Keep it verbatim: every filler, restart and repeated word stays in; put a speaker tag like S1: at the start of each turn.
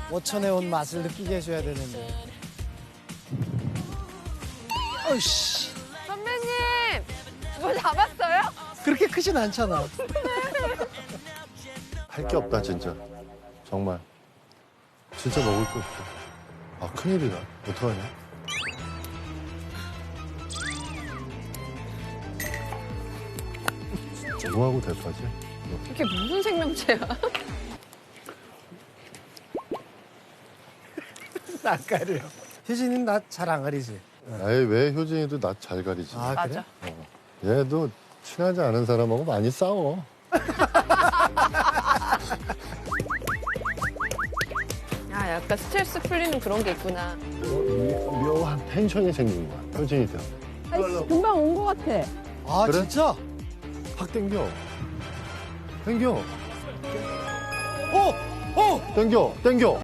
S1: 오천에 온 맛을 느끼게 해줘야 되는데. 어이씨,
S2: 선배님, 뭐 잡았어요?
S1: 그렇게 크진 않잖아.
S3: 할 게 없다 진짜. 정말. 진짜 먹을 게 없어. 아 큰일이다. 어떡하냐? 뭐하고 대파지?
S2: 이게 무슨 생명체야?
S1: 낯가려. 효진이는 나 잘 안 가리지?
S3: 아예 왜 효진이도 나 잘 가리지?
S1: 아,
S2: 맞아.
S1: 그래?
S3: 얘도 친하지 않은 사람하고 많이 싸워.
S2: 아, 약간 스트레스 풀리는 그런 게 있구나.
S3: 어, 묘한 텐션이 생긴 거야. 효진이한테.
S4: 금방 온 것 같아.
S1: 아,
S3: 그래?
S1: 진짜?
S3: 확 땡겨. 땡겨.
S1: 어! 어!
S3: 땡겨. 땡겨.